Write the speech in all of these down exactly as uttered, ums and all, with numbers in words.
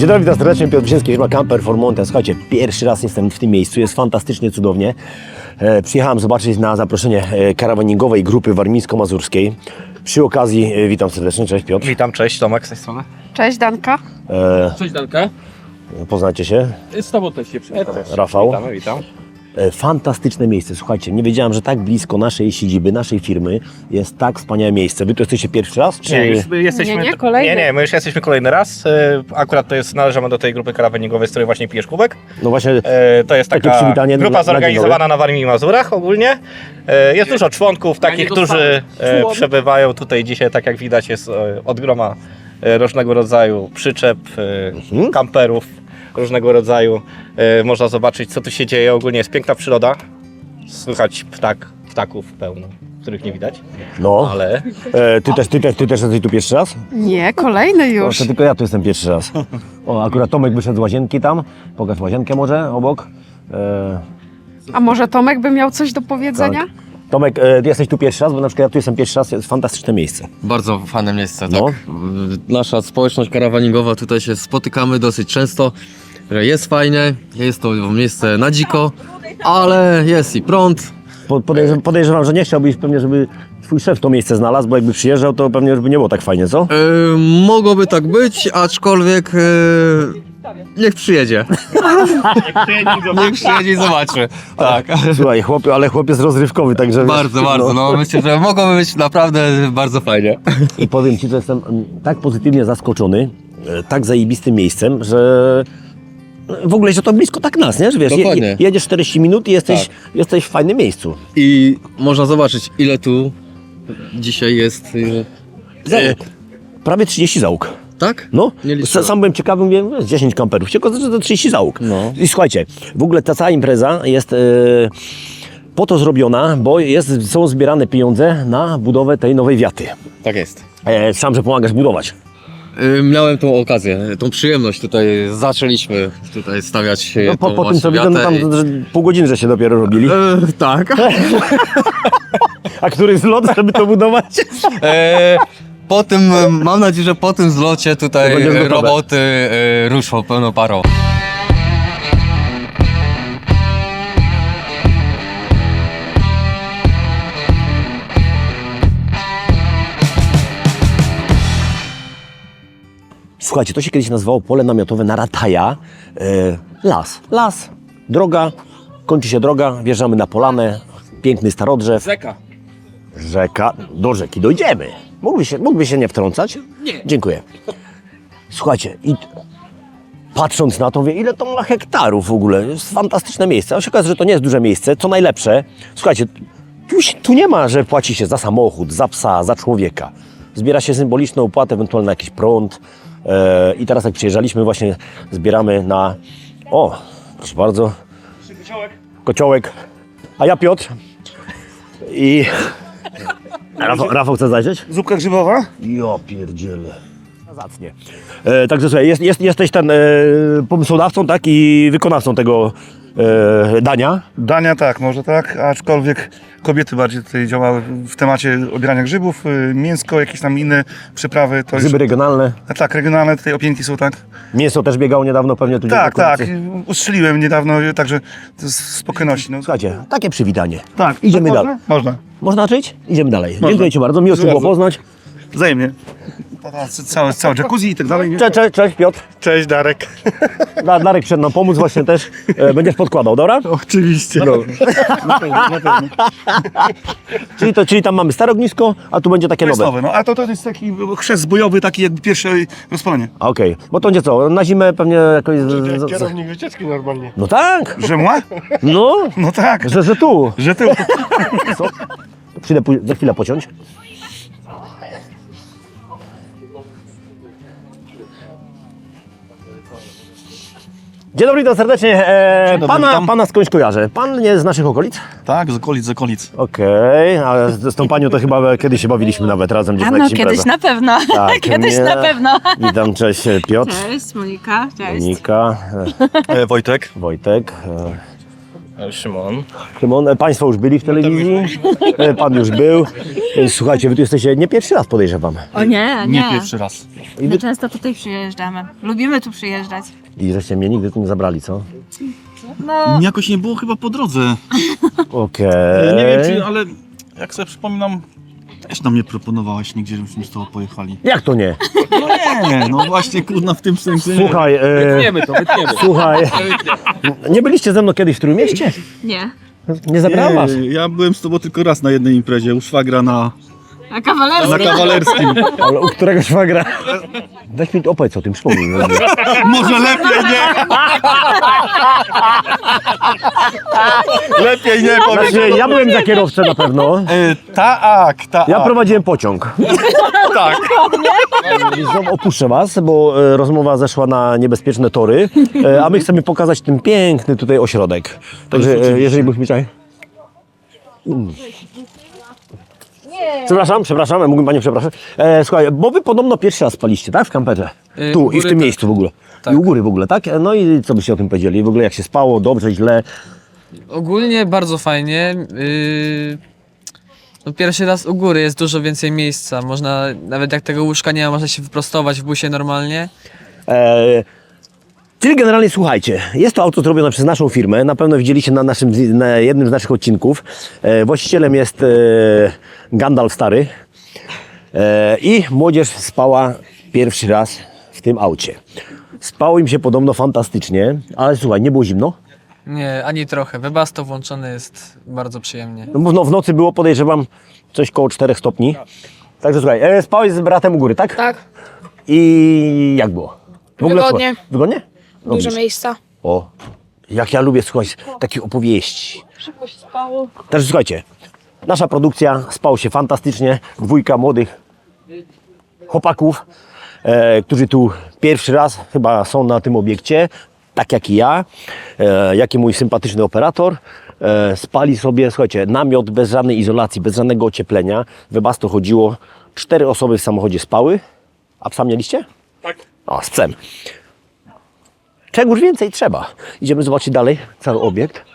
Dzień dobry, witam serdecznie, Piotr Brzeziński, firma Camper for Mountain. Słuchajcie, pierwszy raz jestem w tym miejscu, jest fantastycznie, cudownie. E, przyjechałem zobaczyć na zaproszenie e, karawaningowej grupy warmińsko-mazurskiej. Przy okazji e, witam serdecznie, cześć Piotr. Witam, cześć, Tomek z tej strony. Cześć Danka. E, Cześć Danka. poznacie się? Z tobą też się przywitam. Rafał. Witamy, witam. E, fantastyczne miejsce, słuchajcie, nie wiedziałem, że tak blisko naszej siedziby, naszej firmy jest tak wspaniałe miejsce. Wy tu jesteście pierwszy raz? Czy... Nie, już jesteśmy... Nie, nie, kolejny. Nie, nie, my już jesteśmy kolejny raz. E, Akurat to jest, należymy do tej grupy karawaningowej, z której właśnie pijesz kubek. No właśnie, E, To jest Takie taka przywitanie grupa na- na dzień zorganizowana na Warmii i Mazurach ogólnie. E, Jest dużo członków, takich, niego którzy e, człon. przebywają tutaj dzisiaj, tak jak widać, jest e, od groma e, różnego rodzaju przyczep, e, kamperów różnego rodzaju. E, Można zobaczyć, co tu się dzieje. Ogólnie jest piękna przyroda. Słychać ptak, ptaków pełno, których nie widać, no, ale e, ty, też, ty, też, ty też jesteś tu pierwszy raz? Nie, kolejny No, już. to tylko ja tu jestem pierwszy raz. O, akurat Tomek wyszedł z łazienki tam. Pokaż łazienkę może obok. E, A może Tomek by miał coś do powiedzenia? Tak. Tomek, e, ty jesteś tu pierwszy raz, bo na przykład ja tu jestem pierwszy raz, jest fantastyczne miejsce. Bardzo fajne miejsce, No. tak. Nasza społeczność karawaningowa, tutaj się spotykamy dosyć często, że jest fajnie, jest to miejsce na dziko, ale jest i prąd. Po- Podejrzewam, podejrzewam, że nie chciałbyś pewnie, żeby twój szef to miejsce znalazł, bo jakby przyjeżdżał, to pewnie już by nie było tak fajnie, co? Yy, mogłoby tak być, aczkolwiek yy, niech przyjedzie. Niech przyjedzie i zobaczy. Tak. Słuchaj, chłop, ale chłopiec rozrywkowy, także... wiesz, Bardzo, bardzo. No, myślę, że mogłoby być naprawdę bardzo fajnie. I powiem Ci, że jestem mm, tak pozytywnie zaskoczony, e, tak zajebistym miejscem, że w ogóle, że to blisko tak nas, nie? Że wiesz, je, Dokładnie. je, jedziesz czterdzieści minut i jesteś, jesteś w fajnym miejscu. I można zobaczyć, ile tu dzisiaj jest. Yy, Załóg. Prawie trzydzieści załóg. tak? No, Nie liczyłem. sam byłem ciekawy, mówię, jest dziesięć kamperów, się okazało, że to trzydzieści załóg. No. I słuchajcie, w ogóle ta cała impreza jest e, po to zrobiona, bo jest, są zbierane pieniądze na budowę tej nowej wiaty. Tak jest. E, sam, że pomagasz budować. Y, Miałem tą okazję, tą przyjemność tutaj, zaczęliśmy tutaj stawiać No, po, tą po tym, co właśnie widzę, no tam wiatę że pół godziny, że się dopiero robili. i... e, Tak. A który zlot, żeby to budować? e, po tym, e, mam nadzieję, że po tym zlocie To tutaj będzie e, gotowe. roboty e, ruszą pełną parą. Słuchajcie, to się kiedyś nazywało pole namiotowe na Rataja. E, las, las, droga, kończy się droga, wjeżdżamy na polanę, piękny starodrzew, Rzeka. rzeka, do rzeki dojdziemy. Mógłby się, mógłby się nie wtrącać? Nie. Dziękuję. Słuchajcie, i patrząc na to, wie, ile to ma hektarów w ogóle, jest fantastyczne miejsce. A się okazuje, że to nie jest duże miejsce, co najlepsze. Słuchajcie, tu, się- tu nie ma, że płaci się za samochód, za psa, za człowieka. Zbiera się symboliczną opłatę, ewentualnie na jakiś prąd. E, I teraz jak przyjeżdżaliśmy, właśnie zbieramy na... O, proszę bardzo. Kociołek. A ja Piotr. I... Rafał, Rafał chce zajrzeć? Zupka grzybowa? Jo pierdziele. Zacnie. E, także słuchaj, jest, jest, jesteś ten e, pomysłodawcą, tak, i wykonawcą tego e, dania. Dania tak, może tak, aczkolwiek kobiety bardziej tutaj działały w temacie obierania grzybów, y, mięsko, jakieś tam inne przyprawy. To Grzyby już, regionalne. a tak, regionalne tutaj opięki są, tak? Mięso też biegało niedawno pewnie tu. Tak, gdzieś na tak, okolicy. ustrzeliłem niedawno, y, także to z spokojności. No. Słuchajcie, takie przywitanie. Tak, Idziemy tak dalej. Można? Można, Można czyć? Idziemy dalej. Dziękuję Ci bardzo, miło Cię było Bardzo. poznać. wzajemnie. Teraz Całe, całe jacuzzi i tak dalej. nie? Cześć, cześć, cześć Piotr. Cześć Darek. Da- Darek przyszedł nam pomóc właśnie też. E, będziesz podkładał, dobra? Oczywiście. No. Na pewno, na pewno. Czyli, to, czyli tam mamy stare ognisko, a tu będzie takie To jest nowe. nowe, no, a to, to jest taki chrzest bojowy, taki jakby pierwsze rozpalenie. Okej, bo to będzie co, na zimę pewnie jakoś... z- z- z- Kierownik wycieczki normalnie. No tak, Rzemła? no, No tak, że, że tu. że ty... Co? Przyjdę pój- za chwilę pociąć. Dzień dobry, witam serdecznie. E, dobry, pana, witam. pana skądś kojarzę. Pan nie z naszych okolic? Tak, z okolic, z okolic. Okej, ale z z tą panią to chyba kiedyś się bawiliśmy nawet razem gdzieś A na no, jakichś kiedyś imprezach. na pewno. Tak, kiedyś nie. na pewno. Witam, cześć Piotr, Cześć, Monika. Cześć. Monika, E, Wojtek. e, Wojtek. E, Szymon. Szymon, e, Państwo już byli w telewizji, E, Pan już był. E, Słuchajcie, Wy tu jesteście nie pierwszy raz, podejrzewam. O nie, nie. raz. My często tutaj przyjeżdżamy. Lubimy tu przyjeżdżać. I żeście mnie nigdy tu nie zabrali, co? No, Jakoś nie było chyba po drodze. Okej. Nie wiem czy, ale jak sobie przypominam, też nam nie proponowałaś nigdzie, żebyśmy z tobą pojechali. Jak to nie? No nie, no właśnie kurna w tym sensie. Słuchaj, e, Wytniemy to, wytniemy. słuchaj, nie byliście ze mną kiedyś w Trójmieście? nie. Nie zabrałem was? Nie, ja byłem z tobą tylko raz na jednej imprezie, u szwagra na, A kawalerski? na kawalerskim. Ale u którego szwagra? Weź mi opowiedz o tym, przypomnij. mi. Może lepiej nie! Lepiej nie powiem. Znaczy, ja byłem za kierowcę na pewno. E, tak, tak. Ja prowadziłem pociąg. tak. Znowu opuszczę was, bo e, rozmowa zeszła na niebezpieczne tory, e, a my chcemy pokazać ten piękny tutaj ośrodek. Także e, jeżeli byś mi czaj. Mm. Przepraszam, przepraszam, mógłbym Panią przepraszać. E, słuchaj, bo Wy podobno pierwszy raz spaliście, tak? W kamperze. Yy, Tu u i w góry tym tak. miejscu w ogóle. Tak. I u góry w ogóle, tak? No i co byście o tym powiedzieli? W ogóle jak się spało, dobrze, źle? Ogólnie bardzo fajnie. Yy, no pierwszy raz u góry jest dużo więcej miejsca. Można, nawet jak tego łóżka nie ma, można się wyprostować w busie normalnie. E, czyli generalnie słuchajcie, jest to auto zrobione przez naszą firmę, na pewno widzieliście na, naszym, na jednym z naszych odcinków. E, właścicielem jest e, Gandalf Stary e, i młodzież spała pierwszy raz w tym aucie. Spało im się podobno fantastycznie, ale słuchaj, nie było zimno? Nie, ani trochę. Webasto włączone jest bardzo przyjemnie. No, bo no, w nocy było, podejrzewam, coś koło czterech stopni. Także słuchaj, e, spałeś z bratem u góry, tak? Tak, I jak było? W ogóle Wygodnie. słuchaj, wygodnie? No, dużo widzisz. miejsca. O, jak ja lubię słuchać takich opowieści. Szybko się spało. Także słuchajcie, nasza produkcja, spało się fantastycznie. Dwójka młodych chłopaków, e, którzy tu pierwszy raz chyba są na tym obiekcie, tak jak i ja, e, jak i mój sympatyczny operator. E, spali sobie, słuchajcie, namiot bez żadnej izolacji, bez żadnego ocieplenia. Webasto chodziło, cztery osoby w samochodzie spały. A psa mieliście? Tak. O, z psem. Czegoś więcej trzeba. Idziemy zobaczyć dalej cały obiekt.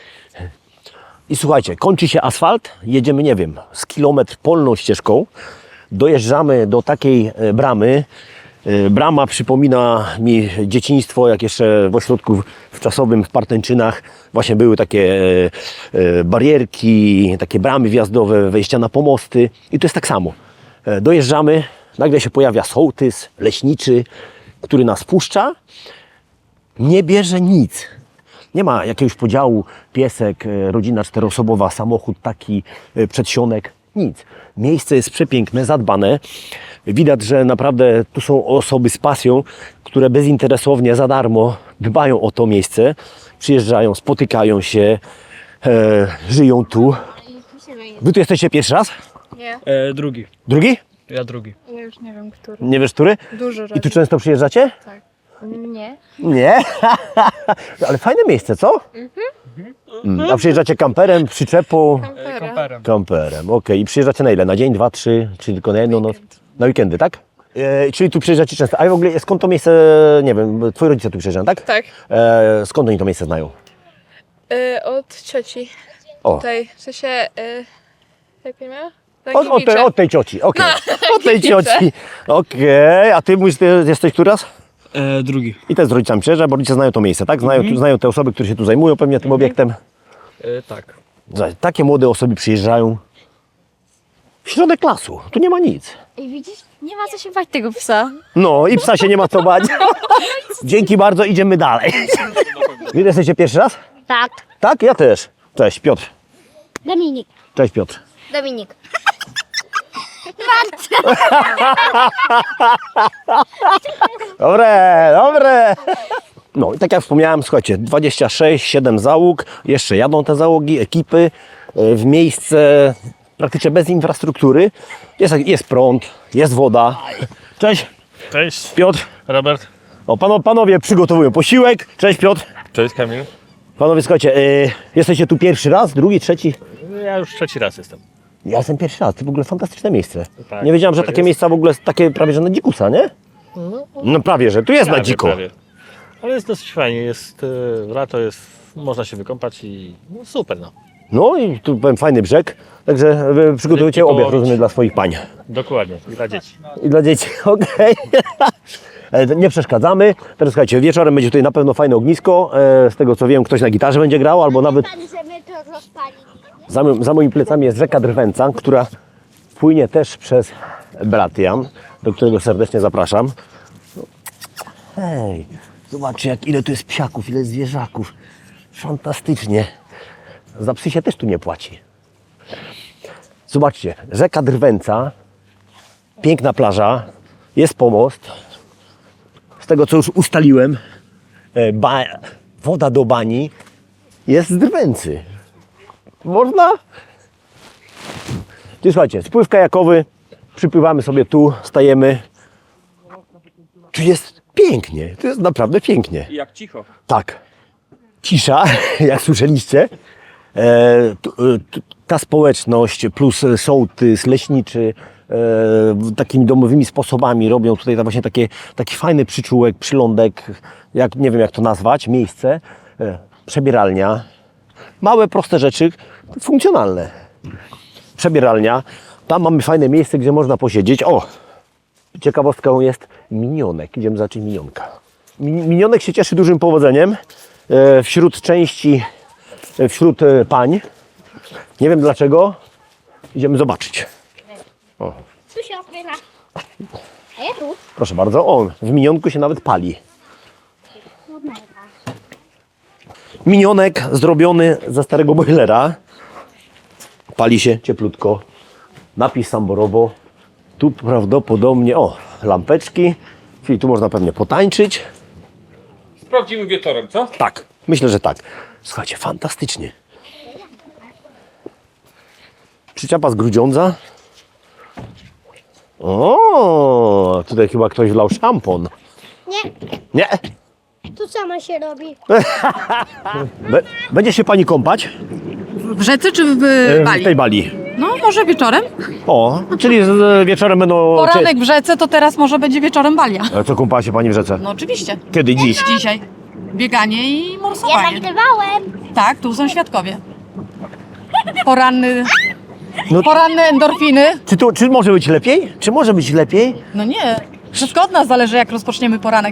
I słuchajcie, kończy się asfalt, jedziemy, nie wiem, z kilometr polną ścieżką, dojeżdżamy do takiej e, bramy. E, Brama przypomina mi dzieciństwo, jak jeszcze w ośrodku wczasowym w Partęczynach właśnie były takie e, e, barierki, takie bramy wjazdowe, wejścia na pomosty i to jest tak samo. E, Dojeżdżamy, nagle się pojawia sołtys, leśniczy, który nas puszcza, nie bierze nic. Nie ma jakiegoś podziału, piesek, e, rodzina czteroosobowa, samochód taki, e, przedsionek, nic. Miejsce jest przepiękne, zadbane. Widać, że naprawdę tu są osoby z pasją, które bezinteresownie, za darmo dbają o to miejsce. Przyjeżdżają, spotykają się, e, żyją tu. Wy tu jesteście pierwszy raz? Nie, E, drugi. Drugi? Ja drugi. ja już nie wiem, który. Nie wiesz, który? Dużo I tu razy. często przyjeżdżacie? Nie. Nie? Ale fajne miejsce, co? Mhm. A przyjeżdżacie kamperem, przyczepą? Kampera. Kamperem, okej. I przyjeżdżacie na ile? Na dzień, dwa, trzy? Czy tylko na jedną noc? Na weekendy, tak? E, czyli tu przyjeżdżacie często. A w ogóle skąd to miejsce, nie wiem, twoi rodzice tu przyjeżdżają, tak? Tak. E, skąd oni to miejsce znają? Y, od cioci. O, Tutaj, w sensie, y, jak nie miała? od, od, tej, od tej cioci, okej. Od tej cioci, okej. A ty mówisz, ty jesteś który raz? E, drugi. I też z rodzicami przyjeżdża, bo rodzice znają to miejsce, tak? Znają, tu, znają te osoby, które się tu zajmują pewnie tym obiektem. E, tak. Słuchaj, takie młode osoby przyjeżdżają w środek lasu. Tu nie ma nic. I widzisz, nie ma co się bać tego psa. No i psa się nie ma co bać. Dzięki bardzo, idziemy dalej. Wy jesteście pierwszy raz? Tak, Tak, ja też. Cześć, Piotr. Dominik. Cześć, Piotr. Dominik. Dobre, dobre. No i tak jak wspomniałem, słuchajcie, dwadzieścia sześć, siedem załóg, jeszcze jadą te załogi, ekipy e, w miejsce praktycznie bez infrastruktury. Jest, jest prąd, jest woda. Cześć, Cześć. Piotr. Robert. O, pano, panowie przygotowują posiłek. Cześć, Piotr. Cześć Kamil. Panowie, słuchajcie, e, jesteście tu pierwszy raz, drugi, trzeci? Ja już trzeci raz jestem. Ja jestem pierwszy raz, to w ogóle fantastyczne miejsce. Tak, nie wiedziałem, że tak takie jest. miejsca w ogóle takie prawie że na dzikusa, nie? No prawie, że tu jest na Prawie, dziko. prawie. Ale jest dosyć fajnie. Jest, e, lato jest można się wykąpać i no, super no. No i tu powiem fajny brzeg, także wy przygotujecie Rybki obiad, połowić. rozumiem, dla swoich pań. Dokładnie, i dla dzieci. I dla dzieci, okej. E, Nie przeszkadzamy. Teraz słuchajcie, wieczorem będzie tutaj na pewno fajne ognisko. E, Z tego co wiem, ktoś na gitarze będzie grał, albo nawet za, mo- za moimi plecami jest rzeka Drwęca, która płynie też przez Bratian, do którego serdecznie zapraszam. Hej, zobaczcie jak ile tu jest psiaków, ile zwierzaków. Fantastycznie. Za psy się też tu nie płaci. Zobaczcie, rzeka Drwęca, piękna plaża, jest pomost. Z tego co już ustaliłem, e, ba, woda do bani jest z Drwęcy. Można? Czyli słuchajcie, spływ kajakowy, przypływamy sobie tu, stajemy. Tu jest pięknie, to jest naprawdę pięknie. I jak cicho. Tak. Cisza, jak słyszeliście. E, tu, e, tu, ta społeczność plus sołtys, leśniczy e, takimi domowymi sposobami robią tutaj ta właśnie takie, taki fajny przyczółek, przylądek, jak, nie wiem jak to nazwać, miejsce, e, przebieralnia. Małe, proste rzeczy, funkcjonalne. Przebieralnia. Tam mamy fajne miejsce, gdzie można posiedzieć. O! Ciekawostką jest minionek. Idziemy zobaczyć minionka. Mi- Minionek się cieszy dużym powodzeniem e, wśród części, e, wśród e, pań. Nie wiem dlaczego. Idziemy zobaczyć. O, Tu się otwiera. A ja tu. proszę bardzo. O, w minionku się nawet pali. Minionek zrobiony ze starego boilera. Pali się cieplutko. Napis Samborowo. Tu prawdopodobnie, o, lampeczki. Czyli tu można pewnie potańczyć. Sprawdzimy wieczorem, co? Tak, myślę, że tak. Słuchajcie, fantastycznie. Przyczepa z Grudziądza. O, tutaj chyba ktoś wlał szampon. Nie, Nie? tu sama się robi. Be- Będzie się pani kąpać W rzece czy w e, Bali? w tej Bali. No, może wieczorem. O, czyli z- z- wieczorem będą... Poranek w rzece, to teraz może będzie wieczorem Balia. Cie- Co kąpała się pani w rzece? No oczywiście. Kiedy? Dziś? Dzisiaj. Bieganie i Ja morsowanie. nagrywałem. Tak, tu są świadkowie. Poranny, No- poranne endorfiny. Czy, tu, czy może być lepiej? Czy może być lepiej? No nie, wszystko od nas zależy, jak rozpoczniemy poranek.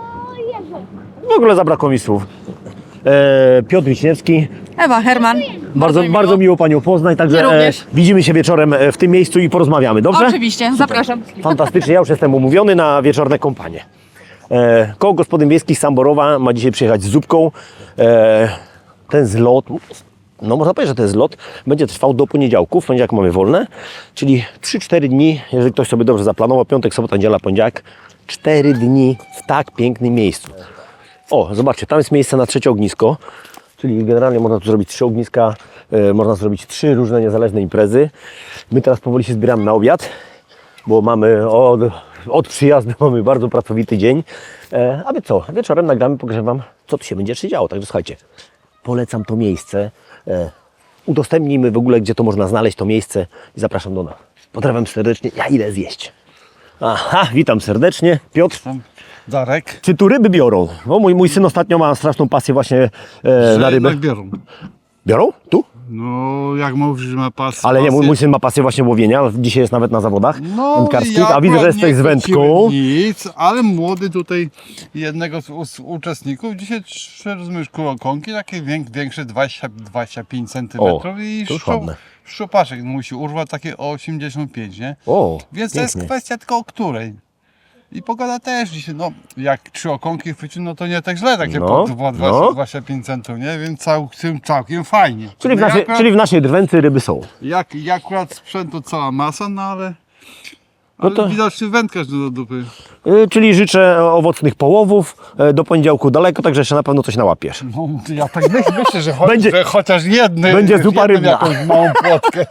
W ogóle zabrakło mi słów. E, Piotr Wiśniewski. Ewa, Herman. Bardzo, mi bardzo miło panią poznać, także Mnie również. widzimy się wieczorem e, w tym miejscu i porozmawiamy, dobrze? Oczywiście, zapraszam. Fantastycznie, ja już jestem umówiony na wieczorne kompanie. E, koło gospodyń wiejskich Samborowa ma dzisiaj przyjechać z zupką. E, ten zlot, no można powiedzieć, że ten zlot będzie trwał do poniedziałku. W poniedziałek mamy wolne, czyli trzy cztery dni, jeżeli ktoś sobie dobrze zaplanował, piątek, sobota, niedziela, poniedziałek, cztery dni w tak pięknym miejscu. O, zobaczcie, tam jest miejsce na trzecie ognisko, czyli generalnie można tu zrobić trzy ogniska, e, można zrobić trzy różne niezależne imprezy. My teraz powoli się zbieramy na obiad, bo mamy od, od przyjazdu mamy bardzo pracowity dzień. E, a wy co? Wieczorem nagramy, pokażę wam, co tu się będzie jeszcze działo. Także słuchajcie, polecam to miejsce. E, udostępnijmy w ogóle, gdzie to można znaleźć, to miejsce i zapraszam do nas. Pozdrawiam serdecznie, ja idę zjeść. Aha, witam serdecznie. Piotr, Darek. czy tu ryby biorą? Bo mój, mój syn ostatnio ma straszną pasję właśnie e, na rybę. Jednak biorą. Biorą? Tu? No, jak mówisz, że ma pas. Ale nie, mój, pasję- mój syn ma pasję właśnie łowienia. Dzisiaj jest nawet na zawodach No, wędkarskich, ja a widzę, że akurat jesteś z nie wędką. chwyciłem nic, ale młody tutaj jednego z, z uczestników dzisiaj trzy rozumiesz kurokonki, takie wiek, większe dwadzieścia dwadzieścia pięć centymetrów i to już szczu, ładne. szczupaczek musi urwać takie o osiemdziesiąt pięć, nie? O, Więc to jest pięknie. kwestia tylko o której. I pogoda też dzisiaj, no jak trzy okonki chwycił, no to nie tak źle, takie No, po dwa- dwa- no. dwadzieścia pięć centów, nie? Więc całkiem, całkiem fajnie. Czyli w, No, naszej, akurat- czyli w naszej drwęcy ryby są. Jak, jak akurat sprzętu cała masa, no ale, No ale to- widocznie wędkarz do dupy. Y, czyli życzę owocnych połowów. y, Do poniedziałku daleko, także jeszcze na pewno coś nałapiesz. No, ja tak myślę, myślę że, cho- Będzie- że chociaż jedny, będzie zupa jedną rybna. jakąś małą płotkę.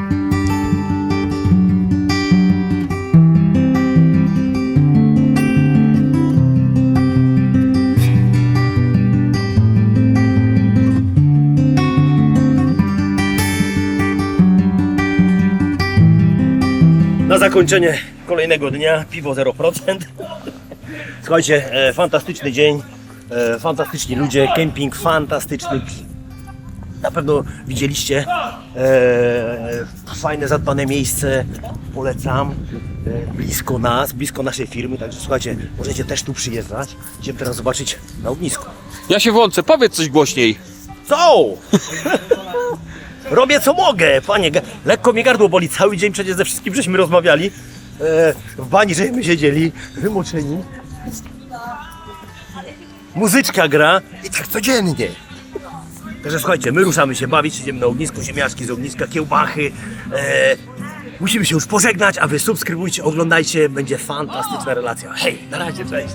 Na zakończenie kolejnego dnia piwo zero procent. Słuchajcie, e, fantastyczny dzień. E, fantastyczni ludzie, kemping fantastyczny. Na pewno widzieliście. E, fajne, zadbane miejsce. Polecam. E, blisko nas, blisko naszej firmy. Także słuchajcie, możecie też tu przyjeżdżać. Idziemy teraz zobaczyć na ognisku. Ja się włączę, powiedz coś głośniej. Co? Robię co mogę, panie. Ga- Lekko mnie gardło boli. Cały dzień przecież ze wszystkim żeśmy rozmawiali. E, w bani żeśmy siedzieli, wymoczeni. Muzyczka gra i tak codziennie. Także słuchajcie, my ruszamy się bawić, idziemy na ognisku, ziemniaczki z ogniska, kiełbachy. E, musimy się już pożegnać, a wy subskrybujcie, oglądajcie, będzie fantastyczna relacja. Hej, na razie, cześć.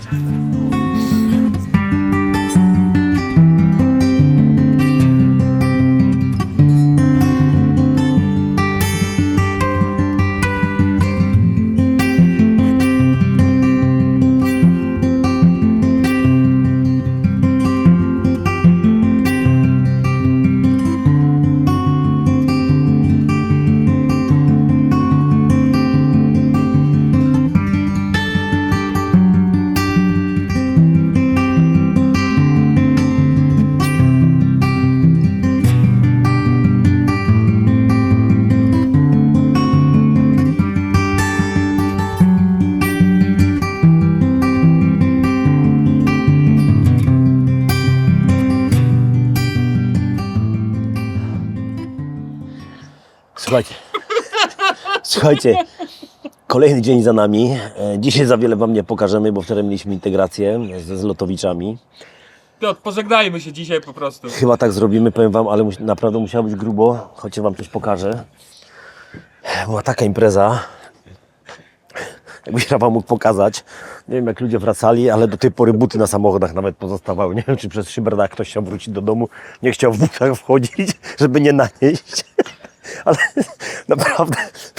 Słuchajcie, słuchajcie, kolejny dzień za nami. E, Dzisiaj za wiele wam nie pokażemy, bo wczoraj mieliśmy integrację ze Zlotowiczami. Piotr, pożegnajmy się dzisiaj po prostu. Chyba tak zrobimy, powiem wam, ale musi, naprawdę musiało być grubo, chociaż wam coś pokażę. Była taka impreza, jakbyś wam mógł pokazać. Nie wiem, jak ludzie wracali, ale do tej pory buty na samochodach nawet pozostawały. Nie wiem, czy przez szyberdach ktoś chciał wrócić do domu, nie chciał w butach wchodzić, żeby nie nanieść. Ale naprawdę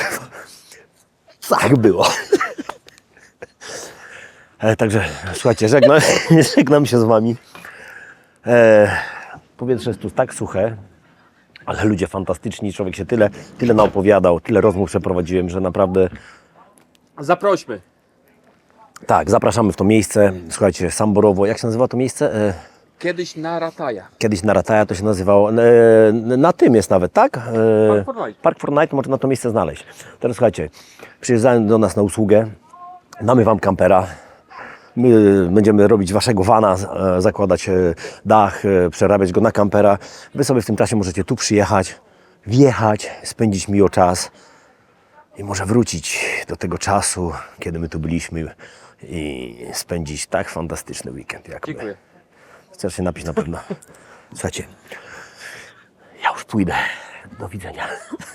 tak było. E, także słuchajcie, żegnam, żegnam się z wami. E, powietrze jest tu tak suche, ale ludzie fantastyczni, człowiek się tyle, tyle naopowiadał, tyle rozmów przeprowadziłem, że naprawdę Zaprośmy. tak, zapraszamy w to miejsce. Słuchajcie, Samborowo, jak się nazywa to miejsce? E, Kiedyś na Rataja. Kiedyś na Rataja to się nazywało, e, na tym jest nawet, tak? E, Park for Night. Park for Night, można na to miejsce znaleźć. Teraz słuchajcie, przyjeżdżają do nas na usługę, damy wam kampera, my będziemy robić waszego vana, e, zakładać e, dach, e, przerabiać go na kampera. Wy sobie w tym czasie możecie tu przyjechać, wjechać, spędzić miło czas i może wrócić do tego czasu, kiedy my tu byliśmy i spędzić tak fantastyczny weekend jak my. Dziękuję. Chcesz się napić na pewno. Słuchajcie, ja już pójdę. Do widzenia.